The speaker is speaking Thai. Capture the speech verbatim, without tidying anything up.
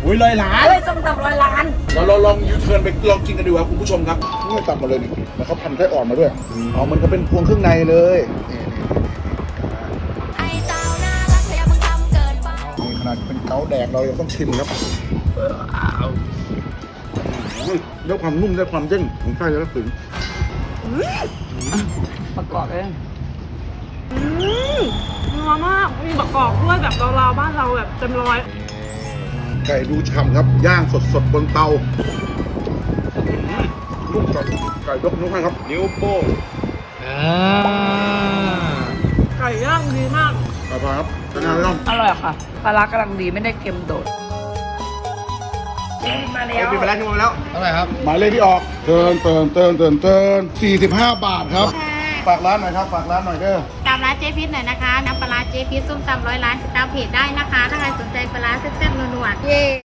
อุ้ยร้อยล้านเฮ้ยส้มตำร้อยล้านเราเราลองยูเทิร์นไปลองกินกันดีกว่าคุณผู้ชมครับนี่ตับมาเลยนี่แล้วเขาพันไส้อ่อนมาด้วยอ๋อมันก็เป็นพวงเครื่องในเลยนี่ไอ้เจ้าน่ารักเธออย่าเพิ่งทำเกินไปนี่ขนาดเป็นเกาแดกเรายังต้องชิมครับด้วยความนุ่มด้วยความเด้งของไส้แล้วก็ถึงประกอบเองอืมนัวมากมีประกอบด้วยแบบเราๆบ้านเราแบบเต็มร้อยไก่ดูฉ่ำครับย่างสดๆบนเตาลูกไก่ไก่ยกนิ้วให้ครับนิ้วโป้งไก่ย่างดีมากขอบคุณครับจะงานไม่ต้องอร่อยค่ะปลาร้ากำลังดีไม่ได้เค็มโดดมาแล้วปิดไปแล้วทิ้งไปแล้วเท่าไหร่ครับหมายเลขที่ออกเตินเตินเตินเตินเตินสี่สิบห้าบาทครับฝากร้านหน่อยครับฝากร้านหน่อยเด้อตามร้านเจพิษหน่อยนะคะน้ำปลาร้าเจพิษส้มตำร้อยล้านติดตามเพจได้นะคะ ถ้าใครสนใจปลาร้าแซ่บๆนัวๆเย้